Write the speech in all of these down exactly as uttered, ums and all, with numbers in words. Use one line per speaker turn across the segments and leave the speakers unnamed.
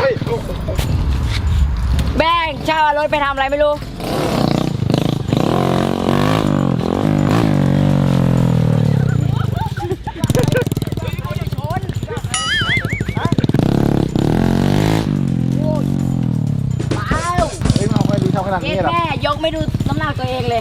แบ่งเช่ารถไปทำอะไรไม่รู้แค่ยกไม่ดูน้ำหนักตัวเองเลย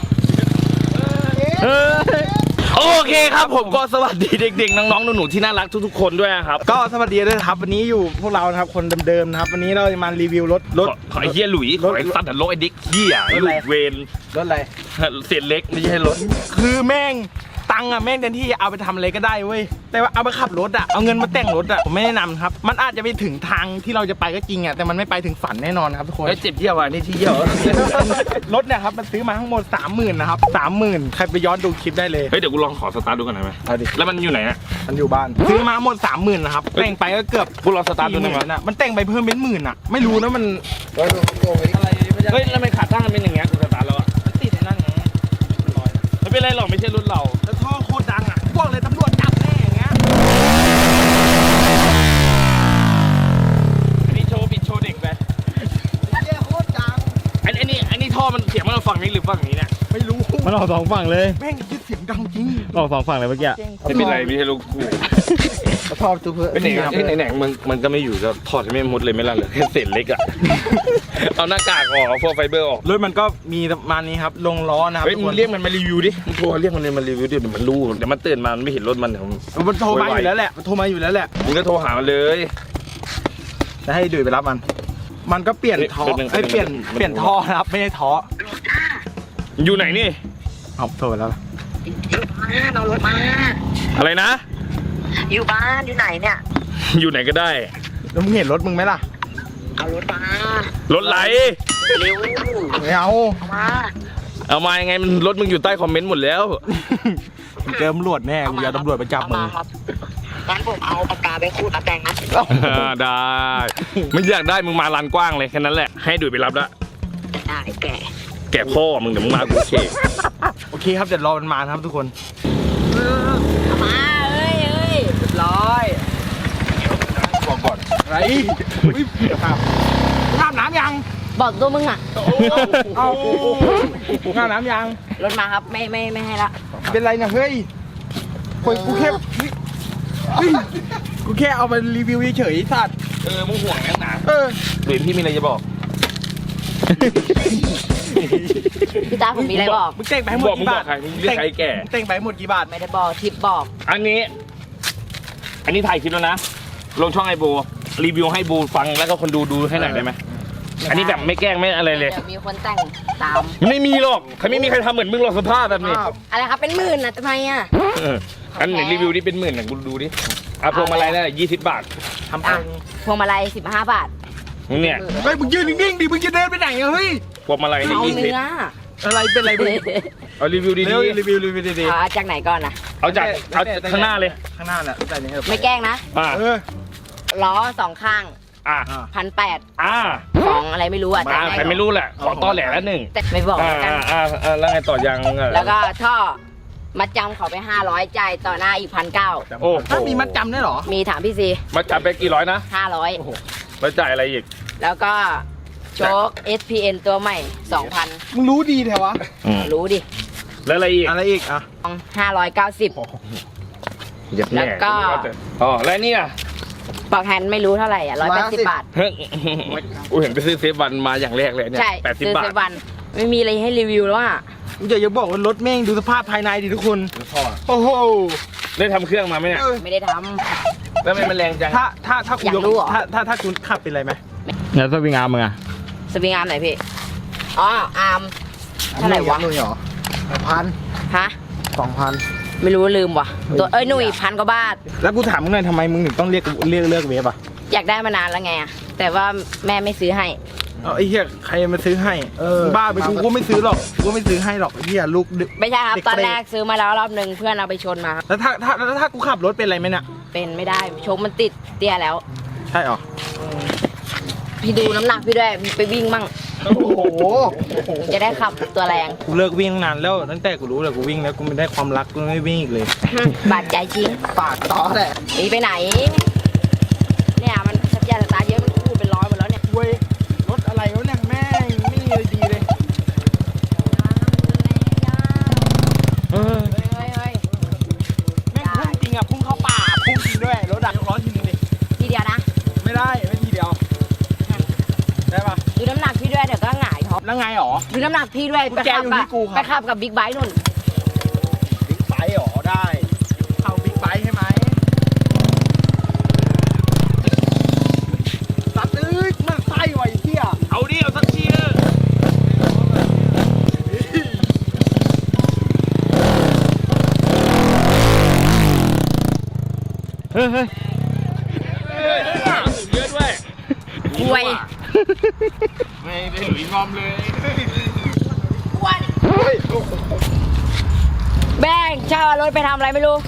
โอเคครับผมก็สวัสดีเด็กๆน้องๆหนูๆที่น่ารักทุกๆคนด้วยนะครับ
ก็สวัสดีด้วยครับวันนี้อยู่พวกเรานะครับคนเดิมๆนะครับวันนี้เราจะมารีวิวรถรถ
ขอไอ้เหี้ยหลุยขอไอ้สัตว์รถไอ้ดิ๊กเหี้ยลูกเวน
รถอะไร
เศษเล็กไม่ใช่รถ
คือแม่งตังค์อะแม่งเต็มที่เอาไปทำอะไรก็ได้เว้ยแต่ว่าเอาไปขับรถอะเอาเงินมาแต่งรถอะผมไม่แนะนำครับมันอาจจะไปถึงทางที่เราจะไปก็จริงอะแต่มันไม่ไปถึงฝันแน่นอนครับทุกคน
เจ็บเยี่ยวอ่ะนี่ที่เยี่ยว
รถเนี่ยครับมันซื้อมาทั้งหมดสามหมื่นนะครับสามหมื่นใครไปย้อนดูคลิปได้เลย
เฮ้ยเดี๋ยวกูลองขอสตาร์ทดูกันหน่อยไหม
เอาดิ
แล้วมันอยู่ไหนอะ
มันอยู่บ้านซื้อมาหมดสามหมื่นนะครับแต่งไปก็เกือบ
กูลองสตาร์ทดูหน่อย
นะมันแต่งไปเพิ่มเป็นหมื่นอะไม่รู้นะมัน
อะไรเฮ้ยแล้วมันขาตั้งมันเป็นอย่างเงี้ยกูสตาร์ทแล้วอะ
มันติดในนั่นไง
ไม่เป็นไรหรอกไม่ใช่รุ่นเรา
แล้วท่อโคตรดังอ่ะพวกเลยตำรวจจับแน่อย่างเงี้ย
อันนี้โชว์ปิดโชว์เด็กไป
เยี่ยโคตรดัง
อันนี้อันนี้ท่อมันเสียงมันฝั่งนี้หรือฝั่งนี้เนี่ย
ไม่รู้
มันออกสองฝั่งเลย
แม่งเสียงดังจริง
ออกสองฝั่งเลยเมื่อกี้
ไม่เป็นไรไม่ใช่ลูกกู
ท่อตัวเพื่อ
เป็นไหนเป็นไหนมันมันก็ไม่อยู่ก็ถอดไม่หมดเลยไม่ละเลยแค่เศษเล็กอ่ะเอาหน้ากากออกเอาพวกไฟเบอร์ออก
รถมันก็มีประมาณนี้ครับลงล้อนะครับ
เฮ้ยมึงเรียกมันมารีวิวดิมึงโทรเรียกมันมารีวิวดิเดี๋ยวมันรู้เดี๋ยวมันตื่นมามันไม่เห็นรถมันเดี๋ยว
มันโทรมาอยู่แล้วแหละมันโทรมาอยู่แล้วแหละ
มึงก็โทรหามันเลย
จะให้ดุยไปรับมันมันก็เปลี่ยนท่อไอ้เปลี่ยนเปลี่ยนท่อครับไม่ใช่ท่อ
อยู่ไหนนี่
เอาโทรไปแล้ว
เอารถมา
อะไรนะ
อยู่บ้านอยู่ไหนเนี่ย
อยู่ไหนก็ได้
แล้วมึงเห็นรถมึงไหมล่ะ
เอารถมาร
ถไหล
เร็ว
ไม่เอา
เอามา
เอามายังไงมันรถมึงอยู่ใต้คอมเมนต์หมดแล้ว
เจอตำรวจแน่กูจะตำรวจไปจับมึง
งั้นผมเอาปากกาไปขูดมาแต่งนะ
ได้ไม่อยากได้มึงมาลานกว้างเลยแค่นั้นแหละให้ดุยไปรับละ
ได้แก
แกพ่อมึงเดี๋ยวมึงมากูเช็ค
โอเคครับเดี๋ยวรอมันมาครับทุกคน
มาเอ้ยเอ้ยร้อย
บอกก่อนไรครับอาบน้ำยัง
บอกตัวมึงอ่ะ
เอาอาบน้ำยัง
รถมาครับไม่ไม่ไม่ให้ละ
เป็นไรนะเฮ้ยคนกูแค่กูแค่เอาไปรีวิวเฉยๆสัตว์
เออมึงห่วงนักหนา
เออ
หรือพี่มีอะไรจะบอก
พี่ตาผมมีอะไรบอก
มึงแต่งไปหมดกี่บาท
มึงเรียกใครแก่
แต่งไปหมดกี่บาท
ไม่ได้บอกทิปบอก
อันนี้อันนี้ถ่ายคลิปแล้วนะลงช่องไอโบรีวิวให้บูฟังแล้วก็คนดูดูให้หน่อยได้ไหมอันนี้แบบไม่แกล้งไม่อะไรเลย
มีคนแต่งตาม
ไม่มีหรอกใครไม่มีใครทำเหมือนมึงหรอกสภาพแบบนี้
อะไรครับเป็นหมื่นนะทำไมอ่ะ
อันไหนรีวิวนี่เป็นหมื่นนะกูดูดิอ่ะพวงมาลัยได้ยี่สิบบาท
ทำเอง
พวงมาลัยสิบห้าบาท
มึงเนี่ย
เฮ้ยมึงยืนนิ่งๆดิมึงจะเดินไปไหนเฮ้ย
พวงมาลัยนี่ยี่สิบ
อะไรเป็นอะไรมึง
เอารีวิวดี
ๆรีวิวรีวิวดี
ๆเอาจากไหนก่อนนะ
เอาจากเอาข้างหน้าเลย
ข้างหน้าแหละ
ไม่แกล้งนะ
เออ
ล้อสองข้าง
อ่า
พันแปด
อ่า
ของอะไรไม่รู้อ่ะ
ใครไม่รู้แหละของต้อแหล่แล้วหนึ่ง
แต่ไม่บอก
อ่าอ่าอ่าแล้วไงต่อยัง
แล้วก็ท่อมัดจำเขาไปห้าร้อยจ่ายต่อหน้าอีกพันเก้า
โอ้
ถ้ามีมัดจำได้หรอ
มีถามพี่ซี
มัดจำไปกี่ร้อยนะ
ห้าร้อย
แล้วจ่ายอะไรอีก
แล้วก็โชค เอส พี เอ็น ตัวใหม่สองพัน
มึงรู้ดีแถววะ
รู้ดิ
แล้วอะไรอีก
อะไรอีกอ่ะ
ห้าร้อยเก้าสิบแล้วก็
อ๋อแล้วนี่อ่ะ
ปอกแฮนด์ไม่รู้เท่าไหร่อ่ะร้อยแปดสิบบาท
เฮ้ยกูเห็นไปซื้อเซฟวันมาอย่างแรกเลยเนี่ย
ใช่
แปดสิบบาท
เซฟวันไม่มีอะไรให้รีวิวแล้วอ่ะ
กูจะอย่าบอกว่ารถแม่งดูสภาพภายในดิทุกคนโอ้โห
ได้ทำเครื่องมาไหมเนี่ย
ไม่ได้ท
ำแล้วมันแรงจัง
ถ้าถ้าถ้าคุณถ้าถ้าถ้าคุณขับเป็นไรไหม
แล้วสวิงอาร์มมึงอะ
สวิงอาร์มไหนพี่อ๋ออาร์มเท่าไหร่วะ
หนุ่ยเหรอพัน
ฮะ
สองพัน
ไม่รู้ลืมว่ะตัวเอ้ยหนุ่ยพันกว่าบาท
แล้วกูถามมึงหน่อยทำไมมึงถึงต้องเรียกเรียกเลือกเวฟอ่ะ
อยากได้มานานแล้วไงอ่ะแต่ว่าแม่ไม่ซื้อให้
เออไอ้เหี้ยใครมาซื้อให้เออบ้าไปกูก็ไม่ซื้อหรอกกูไม่ซื้อให้หรอกไอ้เหี้ยลูก
ไม่ใช่ครับตอนแรกซื้อมาแล้วรอบหนึ่งเพื่อนเอาไปชนมา
แล้วถ้าถ้าแล้วถ้ากูขับรถเป็นอะไรไหมเนี่ย
เป็นไม่ได้โชคมันติดเตี้ยแล้ว
ใช่หรอ
พี่ดูน้ำหนักพี่ด้วยไปวิ่งมั่ง
โอ้โห
จะได้ขับตัวแรง
กูเลิกวิ่งนานแล้วตั้งแต่กูรู้เลยกูวิ่งแล้วกูไม่ได้ความรักกูไม่วิ่งอีกเลย
บาดใจจริง
ปากต่อแหละ
หนีไปไหนเนี่ยมันสัญญาณสตาร์ทเยอะมันพูดเป็นร้อยหมด
ไม่ได้ไม่ทีเดียวได้ปะ
ดูน้ำหนักพี่ด้วยเดี๋ยวก็หงายท้อง
แล้วไงหรอ
ดูน้ำหนักพี่ด้วย
กุญ
ไป
แจ
ขับ
อยู่
กับ
ที่กูครับ
ไปขับกับบิ๊กไบค์นุ่น
บิ๊กไบค์หรอได้เอาบิ๊กไบค์ใช่ไหมสัตว์เอ้ยมันไส้ไว้เที่ย
เอาดิเอาสักทีเถอะ
เฮ้ยเฮ้ย
เยอะด้วย
คุย
ไม่ได้หลุยงอมเลย
แบงเช่ารถไปทำอะไรไม่รู้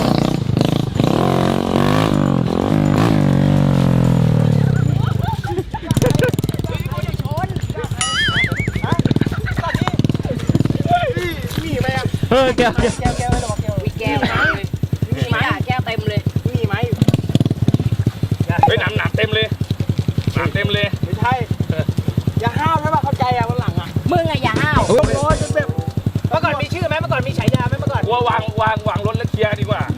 เฮ้ยแกวแกว
แก้วแก้วไม่ต้องมาแก้ว
วิแก้วมีไหมแก้วเต็มเลย
มีไหม
เฮ้ยหนำหนำเต็มเลยหนำเต็มเลย
ไม่ใช่อย่าห้าวใช่ป่ะเข้าใจอ่ะวันหลังอ่ะ
มึงอะอย่าห้าว
โอ้โหจนแบบเมื่อก่อนมีชื่อไหมเมื่อก่อนมีฉายาไหมเมื่อก่อน
กูว่าวางวางวางรถแล้วเคลียร์ดีกว่า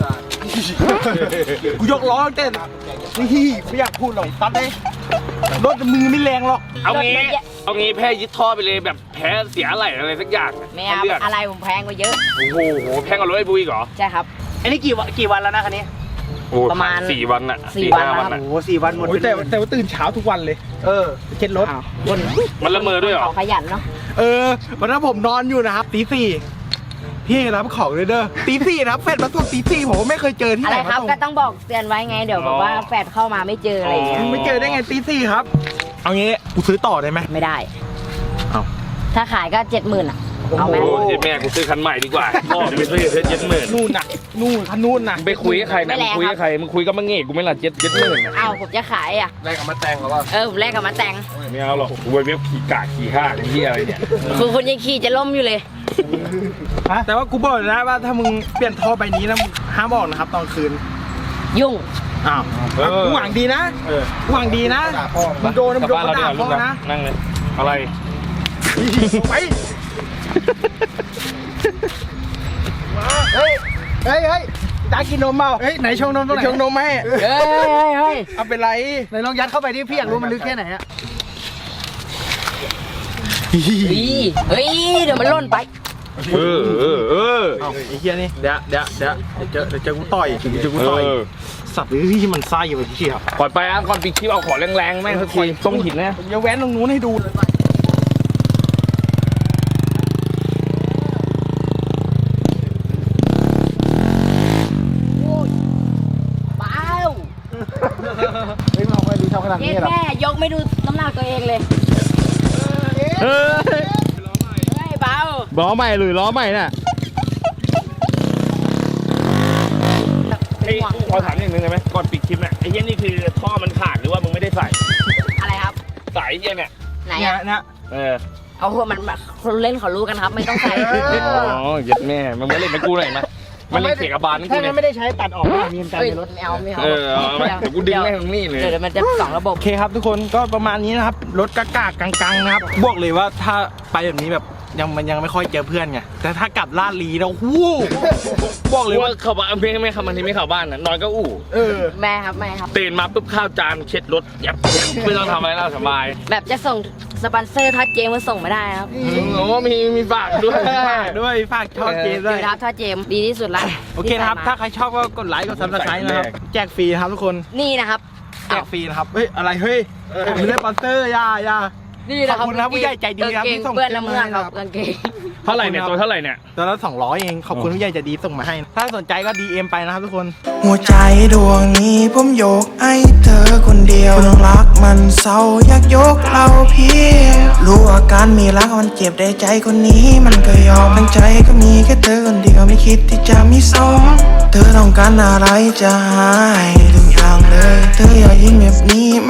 กูยกล้อเต้นนี่ไม่อยากพูดหรอกตัดเลยรถมือไม่แรงหรอก
เอางี้เอางี้แพ้ยึดท่อไปเลยแบบแพ้เสียอะไรอะไรสักอย่าง
ไม่เอา
เลือก
อะไรผมแพงกว่าเยอะ
โอ้โหแพงกว่ารถไอ้บุยเหรอ
ใช่ครับ
อันนี้กี่วันกี่วันแล้วนะคันนี้
โอ้โห
ประมาณ
สี่วันอะ
สี่วัน
ห้า
แล้ว
อะ
โอ้โหสี่วันหมดแต่แต่ว่าตื่นเช้าทุกวันเลย เออเช็ดรถ
อ้าวคน
มันละเมอด้วยเหรอ
เขาขยันเนาะ
เออวันนั้นผมนอนอยู่นะครับตีสี่พี่รับของเลยเด้อตีสี่นะครับเฟดมาส่งตีสี่ผมก็ไม่เคยเจอที่
อะ
ไห
ไร
น
ครับ
มาส่ง
ก็ต้องบอกเตือนไว้ไงเดี๋ยวแบบว่าแฟดเข้ามาไม่เจออะไรอย่างเงี้ย
ไม่เจอได้ไงตีสี่ครับ เอางี้กูซื้อต่อได้ไหม
ไม่ได้
เอา
ถ้าขายก็เจ็ดหมื่นอ่ะเอาไหม
โอ้ยแม่กูซื้อคันใหม่ดีกว่าพ่อไปซื้อเพชรเจ็ดหมื่น
นู่นน่ะนู่นคันนู่นน่ะ
ไปคุยกับใครนะมึงคุยกับใครมึงคุยกับมังเง่กูไม่ละเจ็ดเจ็ดหมื่น
เอาผมจะขายอ่ะ
ได้กับมาแต่งหรอวะ
เออผมแลกกับมาแต่ง
ไม่เอาหรอกกูไปเว็บขี่กาขี่ข้าเหี้ยอะไรเนี่ย
คือคุณยังขี่จะล่มอยู่เลย
แต่ว่ากูบอกเลยนะว่าถ้ามึงเปลี่ยนท่อใบนี้นะมึงห้ามออกนะครับตอนคืน
ยุ่ง
อ้าวกูหวังดีนะกูหวังดีนะมึงโดนมึงโดนด่าพ่อนะ
นั่งเลยอะไร
ไปเฮ้ยเฮ้ยเฮ้ยตากินนมเปล่าเฮ้ยไหนชงนมตรงไหนชงนมให้
เฮ้ยเฮ้ยเฮ้ย
เอาเป็นไรไหนลองยัดเข้าไปดิพี่อยากรู้มันลึกแค่ไหนอะ
เฮ้ยเฮ้ยเดี๋ยวมันล่นไป
เออเออเออ
เอาไอ้เหี้ยนี่เดี๋ยวเดี๋ยวเดี๋ยวเจอเดี๋ยวเจอกูต่อยเดี๋ยวเจอกูต่อยสัตว์ที่มันไส้อยู่ไอ้เหี้ย
ปล่อยไปอ่ะก่อนปิดคลิปเอาของแรงๆแม่งสักทีตรงหินนะ
อย่าแว้นตรงนู้นให้ดูเลย
เปล่า
เฮ้ยมาคอยดูทำขนาด
เย้
นี้เหรอ
แม่ยกไม่ดูน้ำหนักตัวเองเลย
เฮ้ย
เฮ้ยเบา
ล้อใหม่หรือล้อใหม่น่ะ
ไอ้กูขอถามอย่างหนึงได้ไหมก่อนปิดคลิปเนี่ยไอ้เหี้ยนี่คือท่อมันขาดหรือว่ามึงไม่ได้ใส่
อะไรครับ
สายเหี้ยเนี่ย
ไหน
เนี่ย
อะ
เนี่ย
เออ
เอาหัวมันคนเล่นเขารู้กันครับ ไม่ต้องใส่
อ๋อเย็ดแม่มันไม่เล่นไม่กูหน่อยมั้ยมันเล่นเสียกับบานนี่กู
ถ้า
เนี่ย
งั้นไม่ได้ใช้ตัดออกมามีกัน
เฮ้ย
ในรถ
ไม่เอาไม่เอา
เออเอาไหมเดี๋ยวกูดึงแม่งตรงนี้เลย
เดี๋ยวมันจะสองระบบ
โอเคครับทุกคนก็ประมาณนี้นะครับรถกากากกังๆนะครับบอกเลยว่าถ้าไปแบบนี้แบบยังมันยังไม่ค่อยเจอเพื่อนไงแต่ถ้ากลับลาดลีแล้ววู้บอก
เล
เลย ย
ว่า
ว่า
เขาบ้านไม่ไม่เข้ามาที่ไม่เข้าบ้านนะนอนก็อู้
เออ
แม่ครับแม่ครับ
ตื่นมาปุ๊บข้าวจานเช็ดรถยับไม่ต้องทำอะไรแล้วสบาย
แบบจะส่งสปอนเซอร์ทัดเจมมาส่งไม่ได้ครับ
โอ้มีมีฝากด้วย
ฝากด้วยฝากช่องเกม
ดู
ด้วย
ทับทัดเจมดีที่สุดละ
โอเคนะครับถ้าใครชอบก็กดไลค์กดซับสไครต์นะครับแจกฟรีนะครับทุกคน
นี่นะครับ
แจกฟรีนะครับเฮ้ยอะไรเฮ้ยไม่ได้สปอนเซอร์อย่าอย่า
นี่นะครับ
ขอบคุณนะครับผู้ใหญ่ใจดีครับ
กางเกง
ที่ส่ง
เปื้อนน้ำเมือก
เสื้อมาให้
ค
ครั
รับบ กางเกง
เท่าไหร่เนี่ยตัวเท่าไหร่เนี่ย
ตัวละสองร้อยเองขอบคุณผู้ใหญ่ใจดีส่งมาให้ ถ้าสนใจก็ ดี เอ็ม ไปนะครับทุกคน
หัวใจดวงนี้ผมยกให้เธอคนเดียวคนรักมันเศร้าอยากยกเราเพียงรู้อาการมีรักมันเจ็บได้ใจคนนี้มันก็ยอมทั้งใจก็มีแค่เธอคนเดียวไม่คิดที่จะมีสองเธอต้องการอะไรจะให้ทุกอย่างเลย เธออย่ายิ้มแบบนี้